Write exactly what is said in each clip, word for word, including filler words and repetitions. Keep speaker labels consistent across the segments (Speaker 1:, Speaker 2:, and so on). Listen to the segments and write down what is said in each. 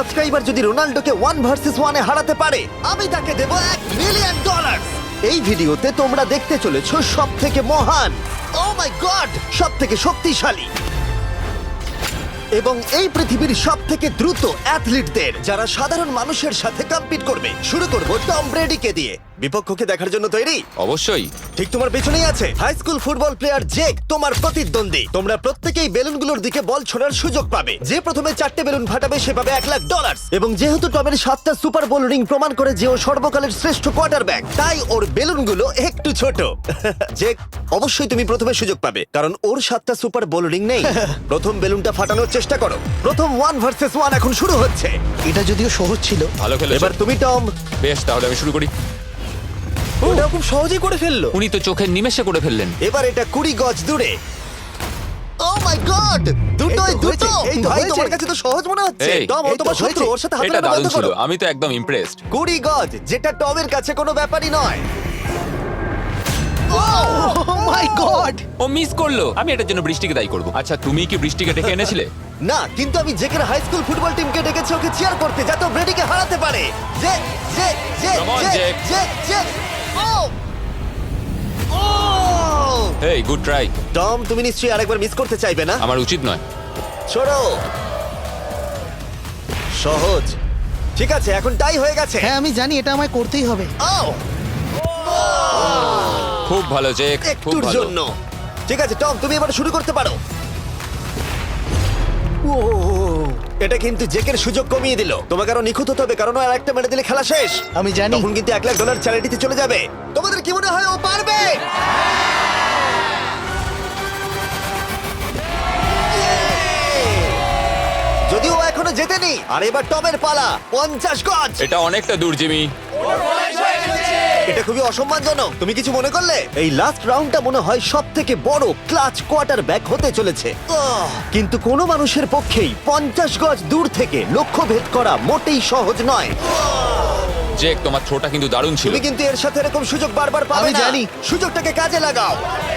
Speaker 1: Subscriber যদি রোনাল্ডোকে one versus ওয়ানে হারাতে পারে আমি তাকে দেবো এক মিলিয়ন ডলার। এই ভিডিওতে তোমরা দেখতে চলেছো সব থেকে মহান, ও মাই গড, সব থেকে শক্তিশালী এবং এই পৃথিবীর সব থেকে দ্রুত অ্যাথলিটদের যারা সাধারণ মানুষের সাথে কম্পিট করবে। শুরু করবো টম ব্রেডিকে দিয়ে। বিপক্ষকে দেখার জন্য তৈরি?
Speaker 2: অবশ্যই।
Speaker 1: ঠিক তোমার পেছনেই আছে high school football player Jake, তোমার প্রতিদ্বন্দ্বী। তোমরা প্রত্যেকেই বেলুনগুলোর দিকে বল ছোড়ার সুযোগ পাবে। যে প্রথমে চারটে বেলুন ফাটাবে সে পাবে এক লাখ ডলার। এবং যেহেতু টমের সাতটা সুপার বোল রিং প্রমাণ করে যে ও সর্বকালের শ্রেষ্ঠ কোয়ার্টারব্যাক, তাই ওর বেলুনগুলো একটু ছোট। জেক, অবশ্যই তুমি প্রথমে সুযোগ পাবে কারণ ওর সাতটা সুপার বোল রিং নেই। প্রথম বেলুনটা ফাটানোর চেষ্টা করো। প্রথম ওয়ান ভার্সেস ওয়ান এখন শুরু হচ্ছে।
Speaker 3: এটা যদিও সহজ ছিল।
Speaker 2: ভালো খেলেছো।
Speaker 1: এবার তুমি টম।
Speaker 2: বেশ, তাহলে আমি শুরু করি।
Speaker 3: ওটা খুব সহজেই করে ফেললো।
Speaker 2: উনি তো চোখের নিমেষে করে ফেললেন।
Speaker 1: এবার এটা কুড়ি গজ দূরে। ও মাই গড, দুটোই
Speaker 3: এই তো
Speaker 1: দুটো।
Speaker 3: হয়েছে, এই তো
Speaker 1: ভাই
Speaker 3: হয়েছে।
Speaker 1: তোমার কাছে তো সহজ মনে হচ্ছে।
Speaker 2: এই,
Speaker 1: টম, ও
Speaker 3: এই তো
Speaker 1: তোমার শত্রু,
Speaker 3: হয়েছে।
Speaker 1: ওর সাথে হাত
Speaker 2: এটা
Speaker 1: মেলানো
Speaker 2: দারুণ
Speaker 1: বন্ধ
Speaker 2: ছিল,
Speaker 1: করো।
Speaker 2: আমি তো একদম ইমপ্রেসড।
Speaker 1: কুড়ি গজ, যেটা টমের কাছে কোনো ব্যাপারই নয়।
Speaker 3: ও মাই গড!
Speaker 2: ও মিস করলো। আমি এটার জন্য বৃষ্টিকে দায়ী করব। আচ্ছা, তুমি কি বৃষ্টিকে ডেকে এনেছিলে?
Speaker 1: না, কিন্তু আমি জেকের হাই স্কুল ফুটবল টিমকে ডেকেছি ওকে চিয়ার করতে যাতে ও ব্রেডিকে হারাতে পারে। জে জে জে
Speaker 2: Come on,
Speaker 1: জে
Speaker 2: Jake.
Speaker 1: জে জে ও ও
Speaker 2: হেই, গুড ট্রাই।
Speaker 1: টম, তুমি নিশ্চয়ই আরেকবার মিস করতে চাইবে না?
Speaker 2: আমার উচিত নয়।
Speaker 1: ছোড়ো। সহজ। ঠিক আছে, এখন টাই হয়ে গেছে।
Speaker 3: হ্যাঁ আমি জানি এটা আমায় করতেই হবে।
Speaker 1: ও
Speaker 2: খুব ভালো জেক, খুব
Speaker 1: একটুর
Speaker 2: ভালো।
Speaker 1: জন্য। ঠিক আছে টম, তুমি এবার শুরু করতে পারো। ও, এটা কিন্তু জেকের সুযোগ কমিয়ে দিল। তোমাকে আরো নিখুঁত হতে হবে কারণ ও আর একটা মেরে দিলে খেলা শেষ।
Speaker 3: আমি জানি।
Speaker 1: তখন কিন্তু এক লাখ ডলার চ্যারিটিতে চলে যাবে। তোমাদের কি মনে হয় ও পারবে? যদিও ও এখনো জেতেনি। আর এবার টমের পালা। পঞ্চাশ গজ।
Speaker 2: এটা অনেকটা দূর, জিমি।
Speaker 1: এটা খুবই অসম্মানজনক। তুমি কিছু মনে করলে? এই লাস্ট রাউন্ডটা মনে হয় সব থেকে বড় ক্লাচ কোয়ার্টার ব্যাক হতে চলেছে। আহ! কিন্তু কোনো মানুষের পক্ষেই পঞ্চাশ গজ দূর থেকে লক্ষ্য ভেদ করা মোটেই সহজ নয়।
Speaker 2: জেক, তোমার থ্রোটা কিন্তু দারুণ ছিল।
Speaker 1: তুমি কিন্তু এর সাথে এরকম সুযোগ বারবার পাবে
Speaker 3: আমি
Speaker 1: না।
Speaker 3: জানি।
Speaker 1: সুযোগটাকে কাজে লাগাও।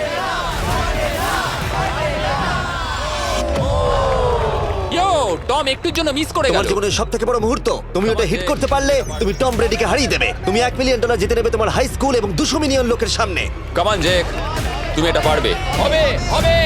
Speaker 2: ইয়ো, টম একটুর জন্য মিস করে গেল।
Speaker 1: তোমার জীবনের সব থেকে বড় মুহূর্ত। তুমি ওটা হিট
Speaker 2: তোমাকে-
Speaker 1: করতে পারলে তুমি টম ব্রেডিকে হারিয়ে দেবে। তুমি এক মিলিয়ন ডলার জিতে নেবে তোমার হাই স্কুল এবং দুশো মিলিয়ন লোকের সামনে।
Speaker 2: কাম অন জেক, তুমি এটা পারবে। হবে, হবে।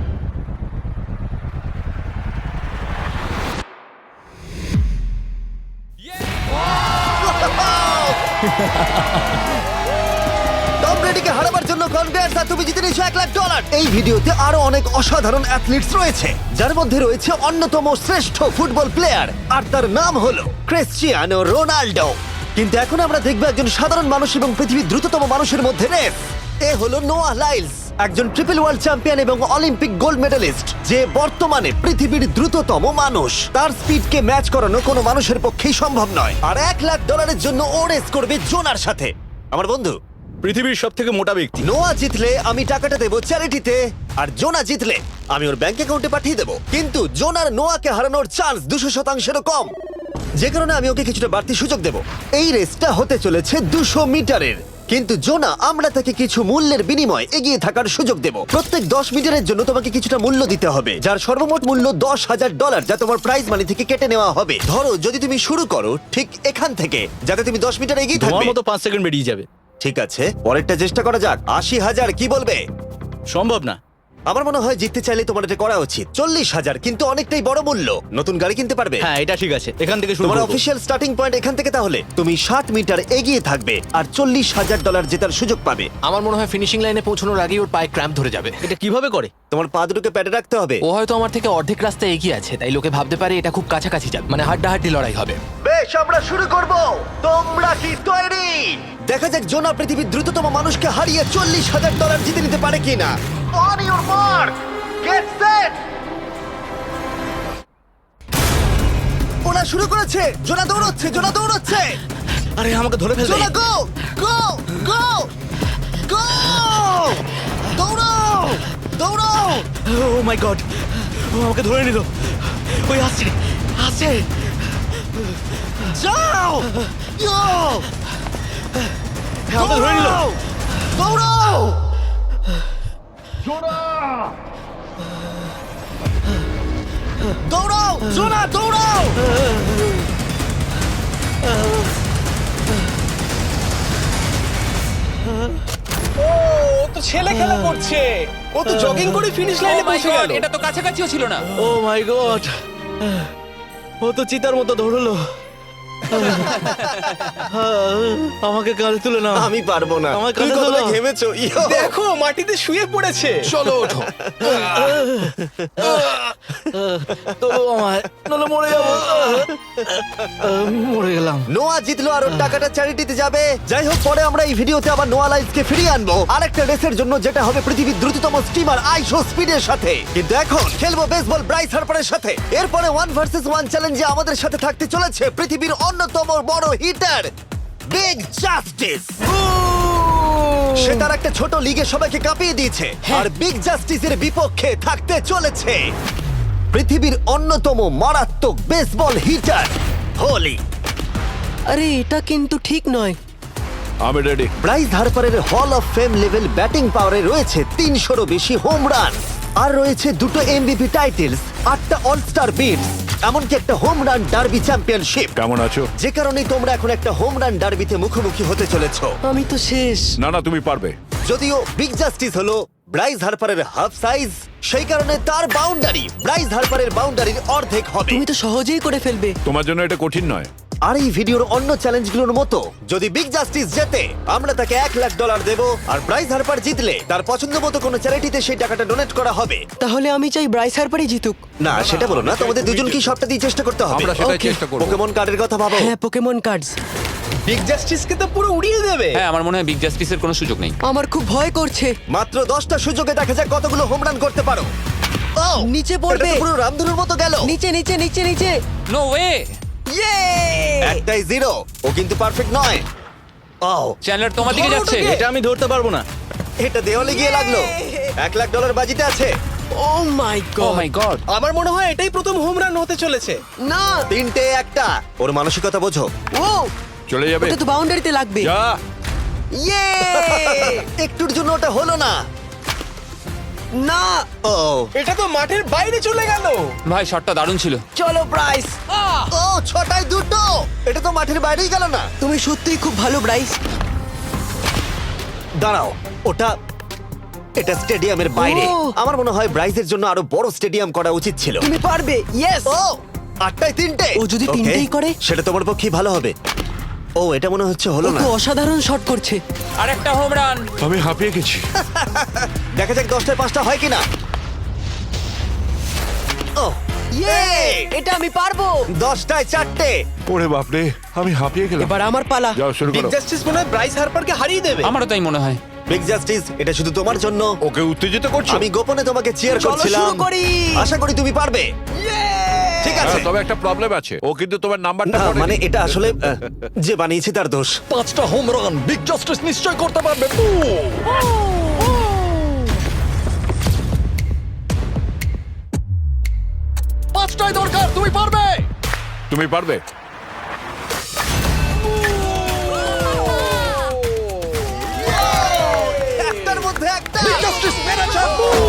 Speaker 1: টম ব্রেডিকে হারাবার জন্য কনগ্রেটস, আর তুমি জিতে নিয়েছো এক লাখ ডলার। এই ভিডিওতে আরো অনেক অসাধারণ অ্যাথলিটস রয়েছে যার মধ্যে রয়েছে অন্যতম শ্রেষ্ঠ ফুটবল প্লেয়ার আর তার নাম হলো ক্রিশ্চিয়ানো রোনাল্ডো। কিন্তু এখন আমরা দেখব একজন সাধারণ মানুষ এবং পৃথিবীর দ্রুততম মানুষের মধ্যে রেস। এ হলো নোয়াহ লাইলস, একজন ট্রিপল ওয়ার্ল্ড চ্যাম্পিয়ন এবং অলিম্পিক গোল্ড মেডেলিস্ট, যে বর্তমানে পৃথিবীর দ্রুততম মানুষ। তার স্পিডকে ম্যাচ করানো কোনো মানুষের পক্ষেই সম্ভব নয়। আর এক লাখ ডলারের জন্য ও রেস করবে জোনার সাথে, আমার বন্ধু।
Speaker 4: পৃথিবীর সব থেকে মোটা ব্যক্তি।
Speaker 1: নোয়া জিতলে আমি টাকাটা দেবো চ্যারিটিতে, আর জোনা জিতলে আমি ওর ব্যাংক অ্যাকাউন্টে পাঠিয়ে দেবো। কিন্তু জোনার নোয়াকে হারানোর চান্স দুশো শতাংশেরও কম, যে কারণে আমি ওকে কিছুটা বাড়তি সুযোগ দেবো। এই রেসটা হতে চলেছে দুশো মিটারের, কিন্তু জোনা আমরা তাকে কিছু মূল্যের বিনিময়ে এগিয়ে থাকার সুযোগ দেব। প্রত্যেক দশ মিটারের জন্য তোমাকে কিছুটা মূল্য দিতে হবে, যার সর্বমোট মূল্য দশ হাজার ডলার, যা তোমার প্রাইজ মানি থেকে কেটে নেওয়া হবে। ধরো যদি তুমি শুরু করো ঠিক এখান থেকে, যাতে তুমি দশ মিটার এগিয়ে
Speaker 4: তোমার
Speaker 1: থাকবে।
Speaker 4: মতো পাঁচ সেকেন্ড বেরিয়ে যাবে।
Speaker 1: ঠিক আছে, পরেরটা চেষ্টা করা যাক। আশি হাজার, কি বলবে?
Speaker 4: সম্ভব না।
Speaker 1: আমার মনে হয় জিততে চাইলে তোমার এটা করা উচিত। চল্লিশ হাজার কিন্তু অনেকটাই বড় মূল্য। নতুন গাড়ি কিনতে পারবে।
Speaker 4: হ্যাঁ, এটা ঠিক আছে। এখান থেকে শুরু
Speaker 1: তোমার
Speaker 4: করব।
Speaker 1: অফিসিয়াল স্টার্টিং পয়েন্ট এখান থেকে। তাহলে তুমি ষাট মিটার এগিয়ে থাকবে আর চল্লিশ হাজার ডলার জেতার সুযোগ পাবে।
Speaker 5: আমার মনে হয় ফিনিশিং লাইনে পৌঁছানোর আগেই ওর পায়ে ক্র্যাম্প ধরে যাবে।
Speaker 4: এটা কিভাবে করে?
Speaker 1: তোমার পা দুটোকে প্যাডে রাখতে হবে।
Speaker 5: ও হয়তো আমার থেকে অর্ধেক রাস্তা এগিয়ে আছে, তাই লোকে ভাবতে পারে এটা খুব কাছাকাছি যাবে, মানে হাড্ডাহাড্ডি লড়াই হবে।
Speaker 1: বেশ, আমরা শুরু করব। তোমরা কি তৈরি? দেখা যাক জোনা পৃথিবীর দ্রুততম মানুষকে হারিয়ে চল্লিশ হাজার ডলার জিতে নিতে পারে কিনা। On your mark, get set. ওরা শুরু করেছে। জোনা দৌড়চ্ছে, জোনা দৌড়চ্ছে।
Speaker 4: আরে আমাকে ধরে ফেলবে।
Speaker 1: জোনা গো গো গো গো! দৌড়াও দৌড়াও!
Speaker 4: ও মাই গড, ও আমাকে ধরে নিল। ওই আসছে, আসছে।
Speaker 1: যাও! ইয়ো!
Speaker 4: আমাকে ধরে নিল।
Speaker 1: দৌড়াও! দৌড়াও! জোনা দৌড়াও!
Speaker 4: ছেলে খেলা করছে ও তো জগিং করে ফিনিশ
Speaker 2: Oh
Speaker 4: লাইনে
Speaker 2: my
Speaker 4: পৌঁছে
Speaker 2: God,
Speaker 4: গেল
Speaker 2: এটা তো কাছাকাছিও ছিল না।
Speaker 4: ও মাই গড ও তো চিতার মতো ধরলো আমাকে কাঁধে তুলে নাও
Speaker 1: আমি পারবো না।
Speaker 4: আমার
Speaker 1: তুমি
Speaker 4: কাঁধে
Speaker 1: কতটা
Speaker 4: তোলো।
Speaker 1: ঘেমেছো ইয়ো।
Speaker 4: দেখো মাটিতে শুয়ে পড়েছে
Speaker 5: চলো ওঠো।
Speaker 4: তোলো আমায় নলে মরে যাবো আহ, মরে গেলাম
Speaker 1: নোয়া জিতলো আর ওর টাকাটা চ্যারিটিতে যাবে। যাই হোক, পরে আমরা এই ভিডিওতে আবার নোয়া লাইফকে ফিরিয়ে আনবো আরেকটা রেসের জন্য, যেটা হবে পৃথিবীর দ্রুততম স্টিমার আইশো স্পিডের সাথে। কিন্তু এখন খেলবো বেসবল ব্রাইস হার্পারের সাথে। এরপরে ওয়ান ভার্সেস ওয়ান চ্যালেঞ্জে আমাদের সাথে থাকতে চলেছে পৃথিবীর অন্যতম বড় হিটার বিগ জাস্টিস। সে তার একটা ছোট লিগে সবাইকে কাঁপিয়ে দিয়েছে, আর বিগ জাস্টিসের বিপক্ষে থাকতে চলেছে পৃথিবীর অন্যতম মারাত্মক বেসবল হিটার হোলি।
Speaker 6: আরে এটা কিন্তু ঠিক নয়।
Speaker 7: আমি ready.
Speaker 1: Bryce হার্পারের hall of fame level batting পাওয়ারে রয়েছে তিনশোরও বেশি হোম রান, আর রয়েছে দুটো এমভিপি টাইটেলস, আটটা অলস্টার বিটস, এমনকি একটা হোম রান ডার্বি চ্যাম্পিয়নশিপ।
Speaker 7: কেমন আছো?
Speaker 1: যে কারণে তোমরা এখন একটা হোম রান ডার্বিতে মুখোমুখি হতে চলেছো।
Speaker 6: আমি তো শেষ।
Speaker 7: না না তুমি পারবে।
Speaker 1: যদিও বিগ জাস্টিস হলো ব্রাইস হার্পারের হাফ সাইজ, সেই কারণে তার বাউন্ডারি ব্রাইস হার্পারের বাউন্ডারির অর্ধেক হবে।
Speaker 6: তুমি তো সহজেই করে ফেলবে।
Speaker 7: তোমার জন্য এটা কঠিন নয়।
Speaker 1: আর এই ভিডিওর অন্য চ্যালেঞ্জগুলোর মতো যদি বিগ জাস্টিস জেতে আমরা তাকে এক লাখ ডলার দেব, আর ব্রাইস হার্পার জিতলে তার পছন্দ মতো কোনো চ্যারিটিতে সেই টাকাটা ডোনেট করা হবে।
Speaker 6: তাহলে আমি চাই ব্রাইস হার্পারই জিতুক।
Speaker 1: না সেটা বলো না, তোমাদের দুজনকেই সবটা দিয়ে চেষ্টা করতে হবে।
Speaker 7: আমরা সেটাই
Speaker 6: Okay.
Speaker 7: চেষ্টা করব।
Speaker 1: পোকেমন কার্ডের কথা ভাবো।
Speaker 6: হ্যাঁ, পোকেমন কার্ডস।
Speaker 4: বিগ জাস্টিসকে তো পুরো উড়িয়ে দেবে
Speaker 2: হ্যাঁ, আমার মনে হয় বিগ জাস্টিসের কোনো সুযোগ নেই।
Speaker 6: আমার খুব ভয় করছে।
Speaker 1: মাত্র দশটা সুযোগে দেখা যাক কতগুলো হোম রান করতে পারো। ও
Speaker 6: নিচে পড়বে।
Speaker 1: এটা তো পুরো রামধনুর মতো গেল।
Speaker 6: নিচে নিচে নিচে নিচে।
Speaker 2: No way.
Speaker 6: ইয়ে!
Speaker 1: একটাই জিরো, ও কিন্তু পারফেক্ট নয়। ও
Speaker 2: চ্যানেলার তোমার দিকে যাচ্ছে।
Speaker 4: এটা আমি ধরতে পারবো না
Speaker 1: এটা দেওয়ালে গিয়ে লাগলো। এক লাখ ডলার বাজিতে আছে।
Speaker 6: Oh my
Speaker 2: oh
Speaker 6: God.
Speaker 2: My God.
Speaker 4: আমার মনে হয় এটাই প্রথম হোম রান হতে চলেছে
Speaker 6: না।
Speaker 1: তিনটে একটা। ওর মানসিকতা বোঝো।
Speaker 6: ও,
Speaker 7: চলে যাবে।
Speaker 6: ওটা তো বাউন্ডারিতে লাগবে।
Speaker 7: যা।
Speaker 6: ইয়ে!
Speaker 1: একটুর জন্য ওটা হলো না।
Speaker 6: না।
Speaker 1: ও
Speaker 4: এটা তো মাঠের বাইরে চলে গেল
Speaker 2: ভাই শটটা দারুণ ছিল।
Speaker 6: চলো ব্রাইস।
Speaker 1: ও ছটায় দুটো। এটা তো মাঠের বাইরেই গেল না।
Speaker 6: তুমি সত্যিই খুব ভালো ব্রাইস।
Speaker 1: দাঁড়াও, ওটা এটা স্টেডিয়ামের বাইরে।
Speaker 6: ও।
Speaker 1: আমার মনে হয় ব্রাইজের জন্য আরো বড় স্টেডিয়াম করা উচিত ছিল।
Speaker 6: তুমি পারবে। ইয়েস।
Speaker 1: ও আটটায় তিনটে।
Speaker 6: ও যদি
Speaker 1: Okay,
Speaker 6: তিনটেই করে?
Speaker 1: সেটা তোমার পক্ষে ভালো হবে। ও এটা মনে হচ্ছে হলো
Speaker 6: ও
Speaker 1: না।
Speaker 6: তো অসাধারণ শট করছে।
Speaker 2: আর একটা হোম রান।
Speaker 7: আমি হাঁপিয়ে গেছি।
Speaker 1: দেখা যাক দশটায় পাঁচটা হয় কিনা। ও
Speaker 6: ইয়ে! এটা আমি পারবো।
Speaker 1: দশটায় চারটে।
Speaker 7: ওরে বাপরে, আমি হাঁপিয়ে গেলাম।
Speaker 6: এবার আমার পালা।
Speaker 7: যাও শুরু
Speaker 4: বিগ
Speaker 7: করো।
Speaker 4: জাস্টিস মনে হয় ব্রাইস হার্পারকে হারিয়ে দেবে
Speaker 2: আমারও তাই মনে হয়।
Speaker 1: বিগ জাস্টিস, এটা শুধু তোমার জন্য।
Speaker 7: ওকে উত্তেজিত করছো?
Speaker 1: আমি গোপনে তোমাকে চিয়ার
Speaker 6: চলো
Speaker 1: করছিলাম।
Speaker 6: শুরু করি।
Speaker 1: আশা করি তুমি পারবে। ঠিক আছে।
Speaker 7: হ্যাঁ, তবে একটা প্রবলেম আছে, ও কিন্তু তোমার নাম্বারটা
Speaker 1: না
Speaker 7: পড়েনি।
Speaker 1: মানে এটা আসলে আহ, যে বানিয়েছে তার দোষ।
Speaker 3: পাঁচটা হোম রান বিগ জাস্টিস নিশ্চয় করতে পারবে। পাঁচটাই দরকার, তুমি পারবে।
Speaker 7: তুমি পারবে।
Speaker 1: একটার মধ্যে একটা।
Speaker 3: জাস্টিস মেরেছে।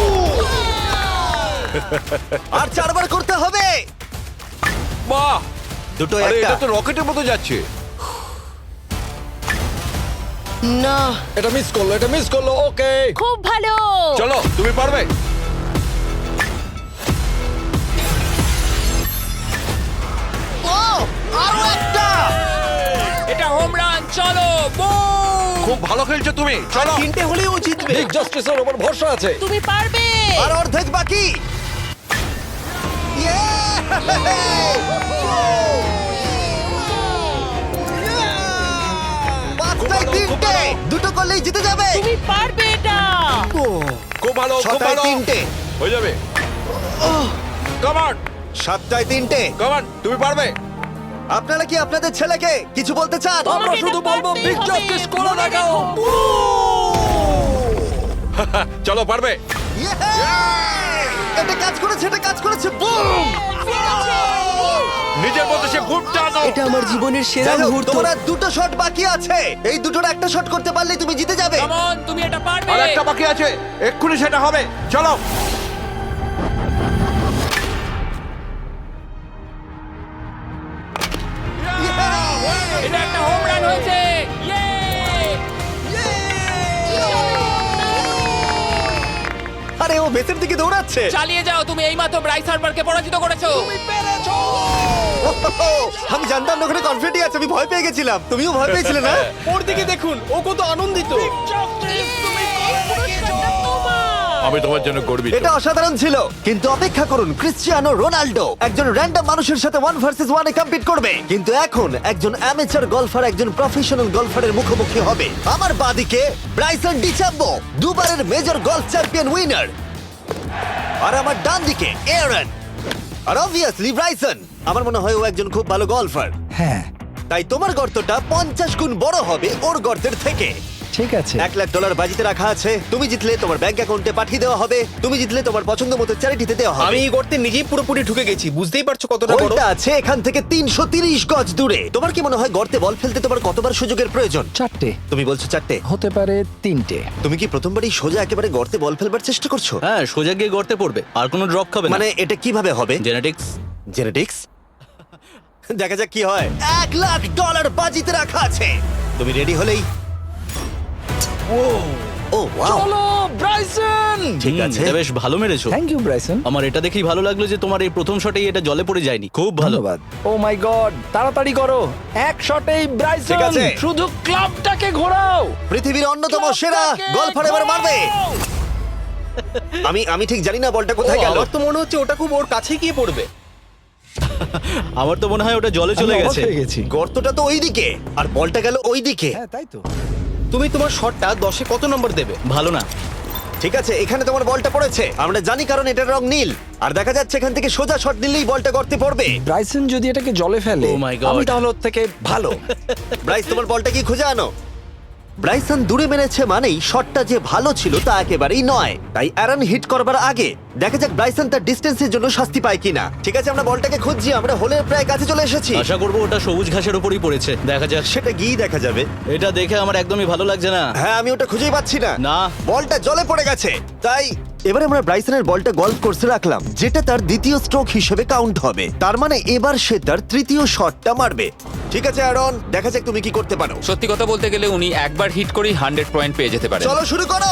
Speaker 1: আর চারবার করতে হবে।
Speaker 7: বাহ,
Speaker 1: দুটো
Speaker 7: আরে
Speaker 1: একটা।
Speaker 7: এটা তো রকেটের মতো যাচ্ছে।
Speaker 6: না।
Speaker 3: এটা মিস করলো, এটা মিস করলো। ওকে,
Speaker 8: খুব ভালো।
Speaker 7: চলো তুমি পারবে।
Speaker 1: ও আরো একটা।
Speaker 2: এটা হোম রান। চলো বুম।
Speaker 7: খুব ভালো খেলছো তুমি, চলো।
Speaker 4: তিনটে হলেও ও জিতবে
Speaker 3: বিগ জাস্টিসের উপর ভরসা আছে।
Speaker 8: তুমি পারবে।
Speaker 1: আর অর্ধেক বাকি। পাঁচটায় তিনটে। দুটো করলেই জিতে যাবে।
Speaker 8: তুমি পারবে এটা।
Speaker 7: খুব ভালো, খুব
Speaker 1: ছটায়
Speaker 7: ভালো।
Speaker 1: তিনটে।
Speaker 7: হয়ে যাবে। কামান,
Speaker 1: সাতটায় তিনটে।
Speaker 7: কামান, তুমি পারবে।
Speaker 1: আপনারা কি আপনাদের ছেলেকে কিছু বলতে চান?
Speaker 3: আমরা
Speaker 8: তোমাকে
Speaker 3: শুধু
Speaker 8: এটা
Speaker 3: বলবো
Speaker 8: পারতেই
Speaker 3: বিগ
Speaker 8: হবে।
Speaker 3: জাস্টিস করে
Speaker 8: মনে
Speaker 3: দেখাও।
Speaker 8: রেখো।
Speaker 7: চলো পারবে।
Speaker 1: এটা কাজ করেছে, এটা কাজ করেছে। বুম!
Speaker 7: নিজের মতো সে খুব টানো।
Speaker 6: এটা আমার জীবনের সেরা
Speaker 1: যাই হোক,
Speaker 6: মুহূর্ত।
Speaker 1: তোমার আর দুটো শট বাকি আছে। এই দুটোর একটা শট করতে পারলে তুমি জিতে যাবে।
Speaker 2: কাম অন, তুমি এটা পারবে।
Speaker 7: আর একটা বাকি আছে, এক্ষুনি সেটা হবে। চলো।
Speaker 2: এটা একটা হোম রান হয়েছে। ইয়ে!
Speaker 1: বেসের দিকে দৌড়াচ্ছে।
Speaker 2: চালিয়ে যাও, তুমি এইমাত্র ব্রাইস হার্বারকে পরাজিত করেছো।
Speaker 1: আমি জানতাম না ওখানে কনফিডেন্ট আছে, আমি ভয় পেয়ে গেছিলাম। তুমিও ভয় পেয়েছিলে না?
Speaker 3: ওর দিকে দেখুন, ও কত আনন্দিত।
Speaker 7: আমি তোমার জন্য গর্বিত।
Speaker 1: এটা অসাধারণ ছিল, কিন্তু অপেক্ষা করুন, ক্রিশ্চিয়ানো রোনাল্ডো একজন র্যান্ডম মানুষের সাথে ওয়ান ভার্সেস ওয়ানে কম্পিট করবে, কিন্তু এখন একজন অ্যামেচার গলফার একজন প্রফেশনাল গলফারের মুখোমুখি হবে। আমার বাদিকে ব্রাইসন ডিচাম্বো, দুবারের মেজর গলফ চ্যাম্পিয়ন উইনার, আর আমার ডান দিকে এরন। আর অবভিয়াসলি ব্রাইসন, আমার মনে হয় ও একজন খুব ভালো গলফার।
Speaker 8: হ্যাঁ
Speaker 1: তাই তোমার গর্তটা পঞ্চাশ গুণ বড় হবে ওর গর্তের থেকে।
Speaker 8: ঠিক আছে।
Speaker 1: এক লাখ ডলার বাজিতে রাখা আছে। তুমি জিতলে তোমার ব্যাংক অ্যাকাউন্টে পাঠিয়ে দেওয়া হবে। তুমি জিতলে তোমার পছন্দ মতো চ্যারিটিতে দেওয়া হবে।
Speaker 4: আমি এই গর্তে নিজেই পুরোপুরি ঢুকে গেছি, বুঝতেই পারছো কতটা বড়।
Speaker 1: ওইটা আছে এখান থেকে তিনশো তিরিশ গজ দূরে। তোমার কি মনে হয় গর্তে বল ফেলতে তোমার কতবার সুযোগের প্রয়োজন?
Speaker 8: চারটে
Speaker 1: তুমি বলছো চারটে,
Speaker 8: হতে পারে তিনটে।
Speaker 1: তুমি কি প্রথমবারই সোজা একেবারে গর্তে বল ফেলবার চেষ্টা করছো?
Speaker 4: হ্যাঁ, সোজা গিয়ে গর্তে পড়বে, আর কোনো ড্রপ খাবে না।
Speaker 1: মানে এটা কিভাবে হবে?
Speaker 4: জেনেটিক্স।
Speaker 1: জেনেটিক্স? দেখা যাক কি হয়। এক লাখ ডলার বাজিতে রাখা আছে। তুমি রেডি হলেই ও ওয়াও,
Speaker 3: চলো ব্রাইসন।
Speaker 1: ঠিক আছে।
Speaker 4: এটা বেশ ভালো মেরেছো।
Speaker 8: Thank you Bryson.
Speaker 4: আমার এটা দেখেই ভালো লাগলো যে তোমার এই প্রথম শটেই এটা জলে পড়ে যায়নি। খুব ভালো।
Speaker 8: ধন্যবাদ। ও মাই গড, তাড়াতাড়ি করো, এক শটেই ব্রাইসন।
Speaker 1: ঠিক আছে।
Speaker 8: শুধু ক্লাবটাকে ঘোরাও।
Speaker 1: পৃথিবীর অন্যতম সেরা গলফার এবার মারবে। আমি আমি ঠিক জানি না বলটা কোথায় গেল।
Speaker 4: আমার তো মনে হচ্ছে ওটা খুব ওর কাছে গিয়ে পড়বে। আমার তো মনে হয় ওটা জলে চলে
Speaker 8: আমি অবাক
Speaker 4: গেছে।
Speaker 8: হয়ে গেছি।
Speaker 1: গর্তটা তো ওইদিকে আর বলটা গেল ওইদিকে।
Speaker 8: হ্যাঁ তাই তো।
Speaker 4: তুমি তোমার শটটা দশে কত নম্বর দেবে? ভালো না।
Speaker 1: ঠিক আছে, এখানে তোমার বলটা পড়েছে, আমরা জানি কারণ এটার রং নীল। আর দেখা যাচ্ছে এখান থেকে সোজা শট নিলেই বলটা গর্তে পড়বে।
Speaker 8: ব্রাইসন যদি এটাকে জলে ফেলে,
Speaker 4: Oh my God.
Speaker 8: আমি তাহলে ওর থেকে ভালো।
Speaker 1: ব্রাইস, তোমার বলটা কি খুঁজে আনো। ব্রাইসন দূরে মেরেছে মানেই শটটা যে ভালো ছিল তা একেবারেই নয়। তাই অ্যারন হিট করবার আগে দেখা যাক ব্রাইসন তার ডিস্টেন্সের জন্য শাস্তি পায় কিনা। ঠিক আছে, আমরা বলটাকে খুঁজছি, আমরা হোলের প্রায় কাছে চলে এসেছি।
Speaker 4: আশা করবো ওটা সবুজ ঘাসের উপরই পড়েছে। দেখা যাক।
Speaker 1: সেটা গিয়ে দেখা যাবে।
Speaker 4: এটা দেখে আমার একদমই ভালো লাগছে না।
Speaker 1: হ্যাঁ, আমি ওটা খুঁজেই পাচ্ছি না।
Speaker 4: না।
Speaker 1: বলটা জলে পড়ে গেছে। তাই এবারে আমরা ব্রাইসনের বলটা গলফ কোর্সে রাখলাম, যেটা তার দ্বিতীয় স্ট্রোক হিসেবে কাউন্ট হবে। তার মানে এবার সে তার তৃতীয় শটটা মারবে। ঠিক আছে অ্যারন, দেখা যাক তুমি কি করতে পারো।
Speaker 2: সত্যি কথা বলতে গেলে উনি একবার হিট করেই হান্ড্রেড পয়েন্ট পেয়ে যেতে পারেন।
Speaker 1: চলো শুরু করো।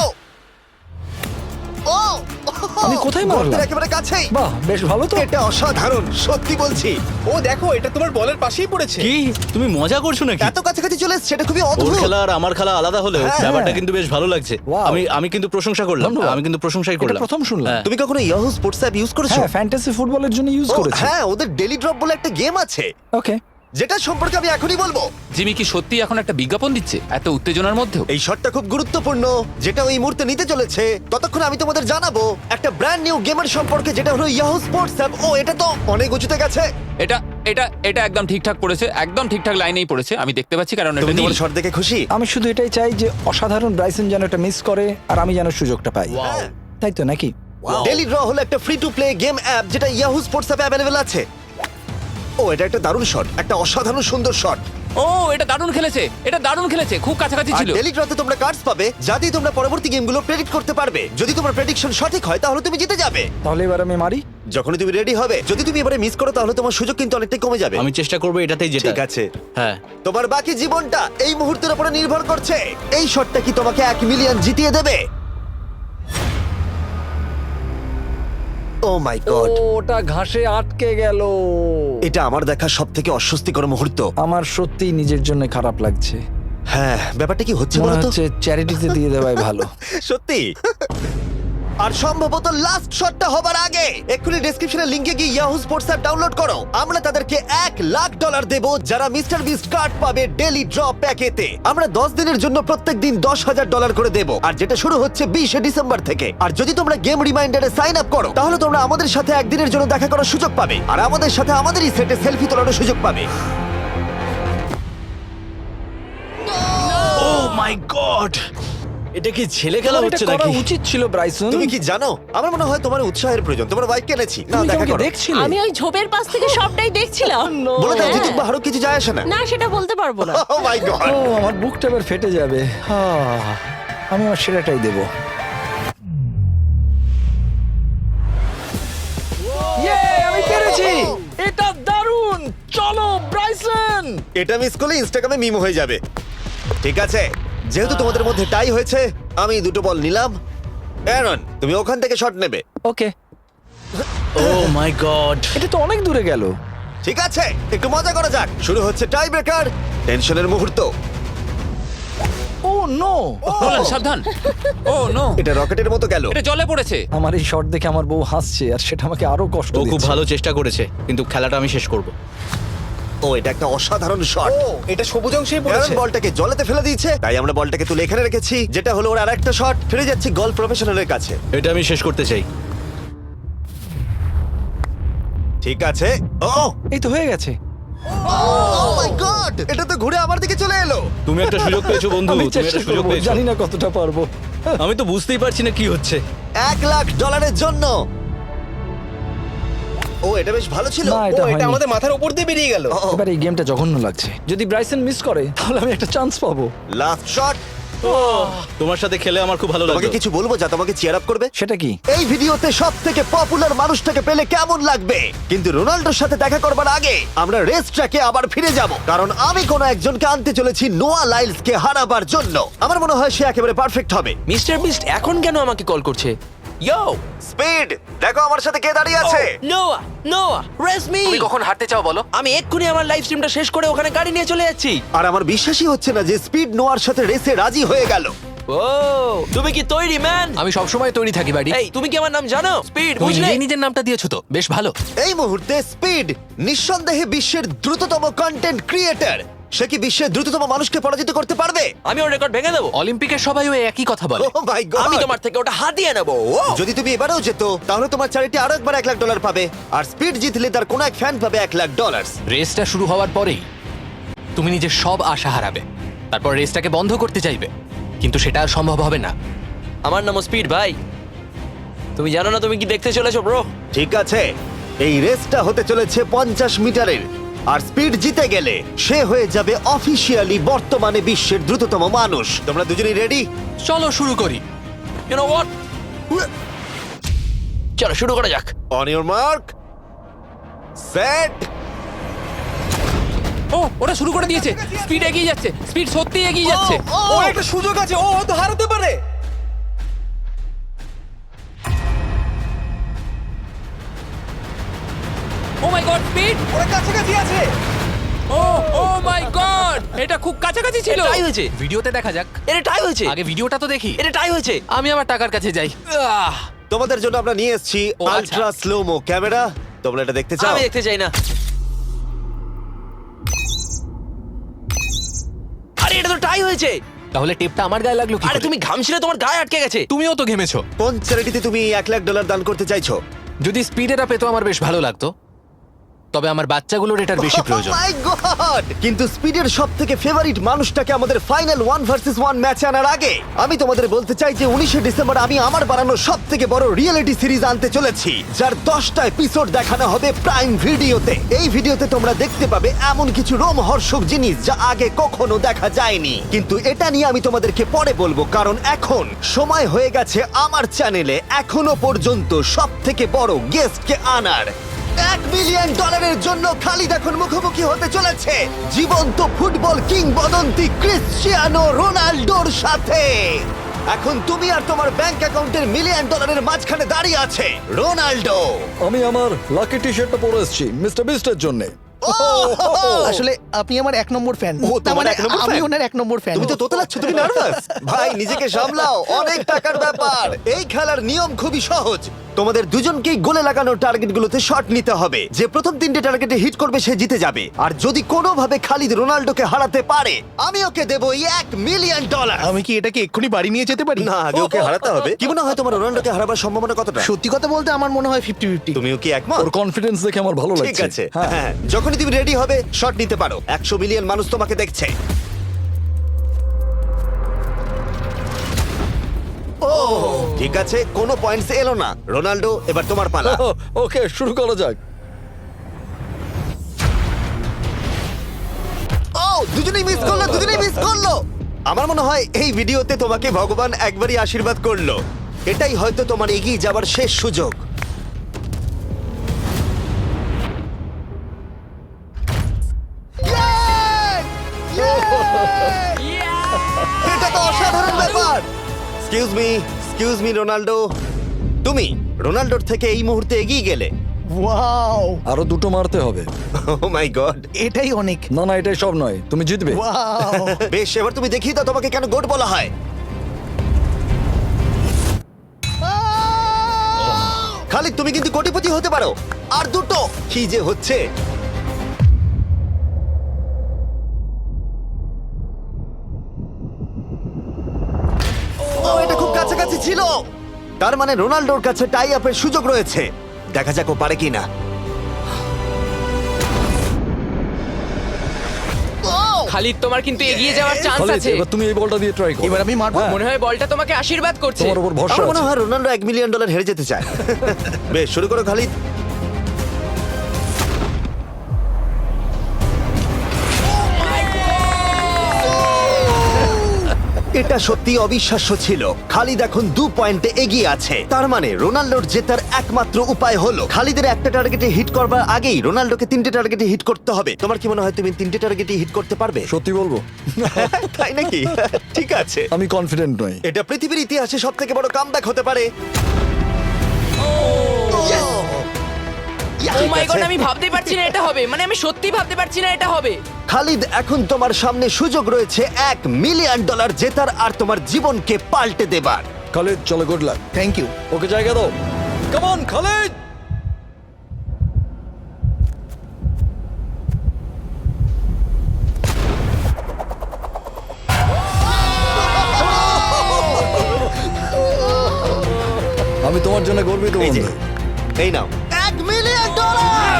Speaker 1: ও
Speaker 8: আমি কোথায় মারলাম?
Speaker 1: গর্তের একেবারে কাছেই।
Speaker 8: বাহ, বেশ ভালো তো।
Speaker 1: এটা অসাধারণ, সত্যি বলছি।
Speaker 3: ও দেখো, এটা তোমার বলের পাশেই পড়েছে।
Speaker 4: কি তুমি মজা করছো নাকি?
Speaker 1: এত কাছাকাছি চলে এসেছে, এটা খুবই
Speaker 4: ওর
Speaker 1: অদ্ভুত।
Speaker 4: খেলা আর আমার খেলা আলাদা হলেও
Speaker 1: হ্যাঁ,
Speaker 4: ব্যাপারটা
Speaker 8: হ্যাঁ।
Speaker 4: কিন্তু বেশ ভালো লাগছে।
Speaker 8: Wow.
Speaker 4: আমি আমি কিন্তু প্রশংসা করলাম।
Speaker 8: ধন্যবাদ।
Speaker 4: আমি কিন্তু প্রশংসাই
Speaker 8: এটা
Speaker 4: করলাম।
Speaker 8: প্রথম শুনলাম।
Speaker 4: হ্যাঁ।
Speaker 1: তুমি কখনো ইয়াহু স্পোর্টস অ্যাপ ইউজ করেছো?
Speaker 8: হ্যাঁ, ফ্যান্টাসি ফুটবলের জন্য ইউজ
Speaker 1: ও,
Speaker 8: করেছি।
Speaker 1: হ্যাঁ, ওদের ডেলি ড্রপ বলে একটা গেম আছে,
Speaker 8: ওকে।
Speaker 1: যেটা সম্পর্কে আমি এখনই বলবো।
Speaker 2: জিমি কি সত্যি এখন একটা বিজ্ঞাপন দিচ্ছে এত উত্তেজনার মধ্যেও?
Speaker 1: এই শটটা খুব গুরুত্বপূর্ণ, যেটা ওই মুহূর্তে নিতে চলেছে। ততক্ষণ আমি তোমাদের জানাবো একটা ব্র্যান্ড নিউ গেমের সম্পর্কে, যেটা হলো ইয়াহু স্পোর্টস অ্যাপ। ও, এটা তো অনেক উঁচুতে গেছে।
Speaker 2: এটা এটা এটা একদম ঠিকঠাক পড়েছে, একদম ঠিকঠাক লাইনেই পড়েছে। আমি দেখতে পাচ্ছি কারণ এটা
Speaker 1: তুমি
Speaker 2: নীল।
Speaker 1: তোমার শট দেখে খুশি?
Speaker 8: আমি শুধু এটাই চাই যে অসাধারণ ব্রাইসন যেন এটা মিস করে আর আমি যেন সুযোগটা পাই।
Speaker 1: হ্যাঁ।
Speaker 8: তাই তো নাকি?
Speaker 1: ডেলি ড্র হলো একটা free to play game app, যেটা ইয়াহু স্পোর্টস অ্যাপে অ্যাভেলেবল আছে। ও, এটা একটা দারুণ শট, একটা অসাধারণ সুন্দর শট।
Speaker 2: ও, এটা দারুণ খেলেছে, এটা দারুণ খেলেছে, খুব কাছাকাছি
Speaker 1: আর
Speaker 2: ছিল।
Speaker 1: ডেলি ড্রতে তোমরা কার্ডস পাবে, যা দিয়ে তোমরা পরবর্তী গেমগুলো প্রেডিক্ট করতে পারবে। যদি তোমার প্রেডিকশন সঠিক হয় তাহলে তুমি জিতে যাবে।
Speaker 8: তাহলে এবার আমি মারি।
Speaker 1: যখনই তুমি রেডি হবে, যদি তুমি এবারে মিস করো তাহলে তোমার সুযোগ কিন্তু অনেকটাই কমে যাবে।
Speaker 4: আমি চেষ্টা করবো এটাতেই যেটা।
Speaker 1: ঠিক আছে,
Speaker 4: হ্যাঁ।
Speaker 1: তোমার বাকি জীবনটা এই মুহূর্তের উপরে নির্ভর করছে। এই শটটা কি তোমাকে এক মিলিয়ন জিতিয়ে দেবে? ও মাই গড,
Speaker 8: ওটা ঘাসে আটকে গেল।
Speaker 1: এটা আমার দেখা সব থেকে অস্বস্তিকর মুহূর্ত।
Speaker 8: আমার সত্যিই নিজের জন্য খারাপ লাগছে।
Speaker 1: হ্যাঁ, ব্যাপারটা কি হচ্ছে
Speaker 8: মনে
Speaker 1: বলো তো?
Speaker 8: হচ্ছে চ্যারিটিতে দিয়ে দেওয়াই ভালো।
Speaker 1: সত্যি। আর সম্ভবত লাস্ট শটটা হবার আগে এক্ষুনি ডেসক্রিপশনের লিংকে গিয়ে ইয়াহু স্পোর্টস অ্যাপ ডাউনলোড করো। আমরা তাদেরকে এক লাখ ডলার দেব যারা মিস্টার বিস্ট কার্ড পাবে ডেলি ড্র প্যাকেতে। আমরা দশ দিনের জন্য প্রত্যেক দিন দশ হাজার ডলার করে দেব, আর যেটা শুরু হচ্ছে বিশে ডিসেম্বর থেকে। আর যদি তোমরা গেম রিমাইন্ডারে সাইন আপ করো তাহলে তোমরা আমাদের সাথে একদিনের জন্য দেখা করার সুযোগ পাবে, আর আমাদের সাথে আমাদেরই সেটে সেলফি তোলার সুযোগ পাবে।
Speaker 4: ও মাই গড, এটা কি ছেলে খেলা
Speaker 8: তোমার
Speaker 4: হচ্ছে
Speaker 8: এটা করা
Speaker 4: নাকি?
Speaker 8: উচিত ছিল ব্রাইসন।
Speaker 1: তুমি কি জানো, আমার মনে হয় তোমার উৎসাহের প্রয়োজন। তোমার বাইক কিনেছি, না
Speaker 8: তুমি কি
Speaker 1: দেখা
Speaker 8: আমাকে
Speaker 1: করো।
Speaker 8: দেখছিলে?
Speaker 9: আমি ওই ঝোপের পাশ থেকে সবটাই দেখছিলাম।
Speaker 1: বলে দাও
Speaker 9: হ্যাঁ।
Speaker 1: জিতুক বা হারুক, কিছু যায় আসে না।
Speaker 9: না, সেটা বলতে পারবো না।
Speaker 1: ও মাই গড,
Speaker 8: ও, আমার বুকটা এবার ফেটে যাবে। আহ, আমি আমার সেরাটাই দেব। ইয়ে, আমি পেরেছি। এটা দারুণ। চলো ব্রাইসন।
Speaker 1: এটা মিস করলে ইনস্টাগ্রামে মিম হয়ে যাবে। ঠিক আছে, যেহেতু তোমাদের মধ্যে টাই হয়েছে, আমি দুটো বল নিলাম। অ্যারন তুমি ওখান থেকে শট নেবে।
Speaker 8: Okay,
Speaker 4: oh my God.
Speaker 8: এটা তো অনেক দূরে গেল।
Speaker 1: ঠিক আছে, একটু মজা করা যাক। শুরু হচ্ছে টাই ব্রেকার, টেনশনের মুহূর্ত।
Speaker 8: ও নো,
Speaker 2: নোলান সাবধান। ও নো,
Speaker 1: এটা রকেটের মতো গেল।
Speaker 2: এটা জলে পড়েছে।
Speaker 8: আমার এই শট দেখে আমার বউ হাসছে আর সেটা আমাকে আরো কষ্ট
Speaker 4: ও খুব
Speaker 8: দিচ্ছে।
Speaker 4: ভালো চেষ্টা করেছে, কিন্তু খেলাটা আমি শেষ করব।
Speaker 1: ও এটা একটা অসাধারণ শট।
Speaker 3: ও এটা সবুজ অংশেই
Speaker 1: অ্যারন
Speaker 3: পড়েছে।
Speaker 1: বলটাকে জলেতে ফেলে দিয়েছে, তাই আমরা বলটাকে তুলে এখানে রেখেছি, যেটা হলো ওর আরেকটা শট। ফিরে যাচ্ছি গলফ প্রফেশনালের কাছে।
Speaker 4: এটা আমি শেষ করতে চাই।
Speaker 1: ঠিক আছে। ও
Speaker 8: এই তো হয়ে গেছে।
Speaker 1: ও মাই গড, এটা তো ঘুরে আমার দিকে চলে এলো।
Speaker 4: তুমি একটা সুযোগ পেয়েছো বন্ধু,
Speaker 8: আমি
Speaker 4: তুমি
Speaker 8: চেষ্টা
Speaker 4: একটা সুযোগ
Speaker 8: করবো,
Speaker 4: পেয়েছো।
Speaker 8: জানি না কতটা পারবো।
Speaker 4: আমি তো বুঝতেই পারছি না কি হচ্ছে।
Speaker 1: এক লাখ ডলারের জন্য। ও এটা বেশ ভালো ছিল।
Speaker 8: না,
Speaker 3: ও
Speaker 8: এটা
Speaker 3: এটা
Speaker 8: হয়নি।
Speaker 3: আমাদের মাথার উপর দিয়ে বেরিয়ে গেল।
Speaker 1: ও,
Speaker 8: এবার এই গেমটা জঘন্য লাগছে। যদি ব্রাইসন মিস করে তাহলে আমি একটা চান্স পাবো।
Speaker 1: Last shot.
Speaker 4: তোমার সাথে খেলে আমার খুব ভালো
Speaker 1: তোমাকে
Speaker 4: লাগলো।
Speaker 1: কিছু বলবো যা তোমাকে চিয়ার আপ করবে?
Speaker 8: সেটা কি?
Speaker 1: এই ভিডিওতে সব থেকে পপুলার মানুষটাকে পেলে কেমন লাগবে? কিন্তু রোনাল্ডোর সাথে দেখা করবার আগে আমরা রেস ট্র্যাকে আবার ফিরে যাব, কারণ আমি কোনো একজনকে আনতে চলেছি নোয়া লাইলসকে হারাবার জন্য। আমার মনে হয় সে একেবারে পারফেক্ট হবে।
Speaker 5: মিস্টার বিস্ট এখন কেন আমাকে কল করছে? ইয়ো
Speaker 1: স্পিড, দেখো আমার সাথে কে দাঁড়িয়ে আছে।
Speaker 5: নোয়া নোয়া রেস মি। তুমি কখন হাঁটতে চাও বলো? আমি এক্ষুনি আমার লাইভ স্ট্রিমটা শেষ করে ওখানে গাড়ি নিয়ে চলে যাচ্ছি।
Speaker 1: আর আমার বিশ্বাসই হচ্ছে না যে স্পিড নোয়ার সাথে রেসে রাজি হয়ে গেল।
Speaker 5: ও তুমি কি তৈরি ম্যান? আমি সব সময় তৈরি থাকি বাড়ি। এই তুমি কি আমার নাম জানো? স্পিড
Speaker 2: তুমি
Speaker 5: বুঝলে?
Speaker 2: নিজেই
Speaker 5: নিজের নামটা দিয়েছো তো, বেশ ভালো।
Speaker 1: এই মুহূর্তে স্পিড নিঃসন্দেহে বিশ্বের দ্রুততম কন্টেন্ট ক্রিয়েটর। সে কি বিশ্বের দ্রুততম মানুষকে পরাজিত করতে পারবে?
Speaker 5: আমি ওর রেকর্ড ভেঙে দেবো। অলিম্পিকের সবাই ওই একই কথা বলে।
Speaker 1: Oh my God!
Speaker 5: আমি তোমার থেকে ওটা হাতিয়ে নেবো। ও
Speaker 1: যদি তুমি এবারেও যেত তাহলে তোমার চ্যারিটি আরো একবার এক লাখ ডলার পাবে, আর স্পিড জিতলে তার কোনো এক ফ্যান পাবে এক লাখ ডলার।
Speaker 5: রেসটা শুরু হওয়ার পরেই তুমি নিজের সব আশা হারাবে, তারপর রেসটাকে বন্ধ করতে চাইবে, কিন্তু সেটা আর সম্ভব হবে না। আমার নাম স্পিড ভাই, তুমি জানো না তুমি কি দেখতে চলেছো ব্রো?
Speaker 1: ঠিক আছে, এই রেসটা হতে চলেছে পঞ্চাশ মিটারের, আর স্পিড জিতে গেলে সে হয়ে যাবে অফিসিয়ালি বর্তমানে বিশ্বের দ্রুততম মানুষ। তোমরা দুজনেই রেডি?
Speaker 5: চলো শুরু করি। ইউ নো হোয়াট, চলো শুরু করা যাক।
Speaker 1: On your mark, set.
Speaker 2: ও ওটা শুরু করে দিয়েছে। স্পিড এগিয়ে যাচ্ছে, স্পিড সত্যি এগিয়ে যাচ্ছে।
Speaker 3: ও একটা সুযোগ আছে, ও হয়তো হারাতে পারে।
Speaker 2: Oh my God, speed.
Speaker 3: ওরা কাছাকাছি আছে।
Speaker 2: ও ও মাই গড, এটা খুব কাছাকাছি ছিল।
Speaker 5: টাই হয়েছে।
Speaker 2: ভিডিওতে দেখা যাক।
Speaker 5: এটা টাই হয়েছে।
Speaker 2: আগে ভিডিওটা তো দেখি।
Speaker 5: এটা টাই হয়েছে।
Speaker 2: আমি আমার টাকার কাছে যাই। আহ,
Speaker 1: তোমাদের জন্য আমরা নিয়ে এসেছি
Speaker 2: ও, আচ্ছা।
Speaker 1: Ultra slo mo camera. তোমরা এটা দেখতে চাও?
Speaker 5: আমি দেখতে চাই না। আরে এটা তো টাই হয়েছে।
Speaker 2: তাহলে টেপটা আমার গায়ে লাগলো কি
Speaker 5: আরে
Speaker 2: করে?
Speaker 5: তুমি ঘামছিলে, তোমার গায়ে আটকে গেছে।
Speaker 2: তুমিও তো ঘেমেছো।
Speaker 1: কোন চ্যারিটিতে তুমি এক লাখ ডলার দান করতে চাইছো?
Speaker 2: যদি স্পিডেরা পেতো আমার বেশ ভালো লাগতো, তবে আমার বাচ্চাগুলোর এটার বেশি প্রয়োজন।
Speaker 1: Oh my God! কিন্তু স্পিডের সব থেকে ফেভারিট মানুষটাকে আমাদের ফাইনাল ওয়ান ভার্সেস ওয়ান ম্যাচে আনার আগে আমি তোমাদের বলতে চাই যে উনিশে ডিসেম্বর আমি আমার বানানো সব থেকে বড় রিয়েলিটি সিরিজ আনতে চলেছি, যার দশটা এপিসোড দেখানো হবে প্রাইম ভিডিওতে। এই ভিডিওতে তোমরা দেখতে পাবে এমন কিছু রোমহর্ষক জিনিস যা আগে কখনো দেখা যায়নি, কিন্তু এটা নিয়ে আমি তোমাদেরকে পরে বলবো, কারণ এখন সময় হয়ে গেছে আমার চ্যানেলে এখনো পর্যন্ত সব থেকে বড় গেস্টকে আনার। এক মিলিয়ন ডলারের জন্য খালিদ এখন মুখোমুখি হতে চলেছে জীবন্ত ফুটবল কিংবদন্তি ক্রিশ্চিয়ানো রোনাল্ডোর সাথে। এখন তুমি আর তোমার ব্যাংক অ্যাকাউন্টের মিলিয়ন ডলারের মাঝখানে দাঁড়িয়ে আছে রোনাল্ডো।
Speaker 8: আমি আমার লাকি টি শার্টটা পরে এসেছি মিস্টার বিস্টের জন্য।
Speaker 6: আসলে আপনি আমার এক নম্বর ফ্যান।
Speaker 1: ও, তোমার এক নম্বর
Speaker 6: আমি
Speaker 1: fan?
Speaker 6: ওনার এক নম্বর ফ্যান।
Speaker 1: তুমি তো তোতলাচ্ছ, তুমি নার্ভাস। ভাই নিজেকে সামলাও, অনেক টাকার ব্যাপার। এই খেলার নিয়ম খুবই সহজ। তোমাদের দুজনকেই গোলে লাগানো টার্গেটগুলোতে শট নিতে হবে। যে প্রথম তিনটে টার্গেটে হিট করবে সে জিতে যাবে, আর যদি কোনোভাবে খালিদ রোনাল্ডোকে হারাতে পারে আমি ওকে দেবো এক মিলিয়ন ডলার।
Speaker 3: আমি কি এটাকে এক্ষুনি বাড়ি নিয়ে যেতে পারি?
Speaker 1: না, আগে ওকে হারাতে হবে। কি মনে হয় তোমার রোনাল্ডোকে হারাবার সম্ভাবনা কতটা?
Speaker 6: সত্যি কথা বলতে আমার মনে হয় ফিফটি ফিফটি।
Speaker 1: তুমিও কি একমত?
Speaker 8: ওর কনফিডেন্স দেখে আমার ভালো লাগছে।
Speaker 1: ঠিক আছে,
Speaker 8: হ্যাঁ।
Speaker 1: হ্যাঁ, যখনই তুমি রেডি হবে শট নিতে পারো। একশো মিলিয়ন মানুষ তোমাকে দেখছে। ও ঠিক আছে, কোনো পয়েন্টস এলো না। রোনাল্ডো, এবার তোমার পালা।
Speaker 8: ওকে, শুরু করা যাক।
Speaker 1: ও দুজনেই মিস করলো, দুজনেই মিস করলো। আমার মনে হয় এই ভিডিওতে তোমাকে ভগবান একবারই আশীর্বাদ করলো। এটাই হয়তো তোমার এগিয়ে যাবার শেষ সুযোগ। এটা তো অসাধারণ ব্যাপার। Excuse me, excuse me Ronaldo, তুমি রোনাল্ডোর থেকে এই মুহূর্তে এগিয়ে গেলে।
Speaker 6: ওয়াও,
Speaker 8: আরো দুটো মারতে হবে।
Speaker 1: Oh my God.
Speaker 6: এটাই অনেক।
Speaker 8: না না এটাই সব নয়, তুমি জিতবে।
Speaker 6: ওয়াও,
Speaker 1: বেশ, এবার তুমি দেখিয়ে দাও তোমাকে কেন গোট বলা হয়। খালিদ, তুমি কিন্তু কোটিপতি হতে পারো। আর দুটো কি যে হচ্ছে। ও, এটা খুব কাছাকাছি ছিল। তার মানে রোনাল্ডোর কাছে টাই আপের সুযোগ রয়েছে। দেখা যাক ও পারে কিনা।
Speaker 5: খালিদ, তোমার কিন্তু এগিয়ে যাওয়ার চান্স
Speaker 8: খালিদ,
Speaker 5: আছে।
Speaker 8: এবার তুমি এই বলটা দিয়ে ট্রাই করো।
Speaker 6: এবার আমি মারবো।
Speaker 8: হ্যাঁ,
Speaker 5: মনে হয় বলটা তোমাকে আশীর্বাদ করছে।
Speaker 8: তোমার উপর ভরসা
Speaker 1: আমার মনে
Speaker 8: আছে।
Speaker 1: হয় রোনাল্ডো এক মিলিয়ন ডলার হেরে যেতে চায়। বেশ, শুরু করো খালিদ। এটা সত্যি অবিশ্বাস্য ছিল। খালিদ এখন দু পয়েন্টে এগিয়ে আছে। তার মানে রোনাল্ডোর জেতার একমাত্র উপায় হলো খালিদের একটা টার্গেটে হিট করবার আগেই রোনাল্ডোকে তিনটে টার্গেটে হিট করতে হবে। তোমার কি মনে হয় তুমি তিনটে টার্গেটে হিট করতে পারবে?
Speaker 8: সত্যি বলবো,
Speaker 1: তাই নাকি? ঠিক আছে।
Speaker 8: আমি কনফিডেন্ট নই।
Speaker 1: এটা পৃথিবীর ইতিহাসে সব থেকে বড় কামব্যাক হতে পারে।
Speaker 5: ও মাই গড, আমি ভাবতেই পারছি না এটা হবে। মানে আমি সত্যি ভাবতে পারছি না এটা হবে।
Speaker 1: খালিদ, এখন তোমার সামনে সুযোগ রয়েছে এক মিলিয়ন ডলার জেতার আর তোমার জীবনকে পাল্টে দেবার।
Speaker 8: খালিদ চলো, গুড লাক।
Speaker 6: Thank you.
Speaker 8: ওকে জায়গা দাও। Come on Khalid. আমি তোমার জন্য গর্বিত
Speaker 1: এই যে,
Speaker 8: বন্ধু।
Speaker 1: এই নাও এক মিলিয়ন ডলার।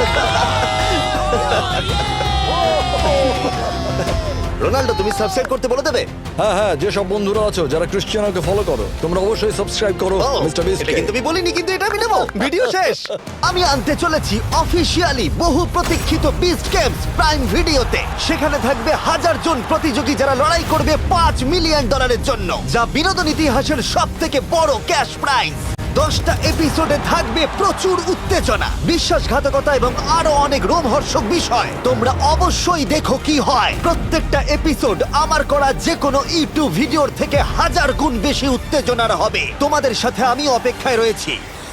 Speaker 1: রোনাল্ডো, তুমি সাবস্ক্রাইব করতে বলে দেবে?
Speaker 8: হ্যাঁ হ্যাঁ, যে সব বন্ধুরা আছো যারা ক্রিশ্চিয়ানোকে ফলো করো, তোমরা অবশ্যই সাবস্ক্রাইব করো
Speaker 1: ও,
Speaker 8: মিস্টার বিস্ট।
Speaker 1: এটা কিন্তু আমি বলিনি, কিন্তু এটা আমি নেবো। ভিডিও শেষ। আমি আনতে চলেছি অফিসিয়ালি বহু প্রতীক্ষিত বিস্ট গেমস প্রাইম ভিডিওতে। সেখানে থাকবে হাজার জন প্রতিযোগী যারা লড়াই করবে পাঁচ মিলিয়ন ডলারের জন্য, যা বিনোদন ইতিহাসের সব থেকে বড় ক্যাশ প্রাইজ। দশটা এপিসোডে থাকবে প্রচুর উত্তেজনা, বিশ্বাসঘাতকতা এবং আরো অনেক রোমহর্ষক বিষয়। তোমরা অবশ্যই দেখো কি হয়। প্রত্যেকটা এপিসোড আমার করা যে কোনো ইউটিউব ভিডিওর থেকে হাজার গুণ বেশি উত্তেজনার হবে। তোমাদের সাথে আমি অপেক্ষায় রয়েছি।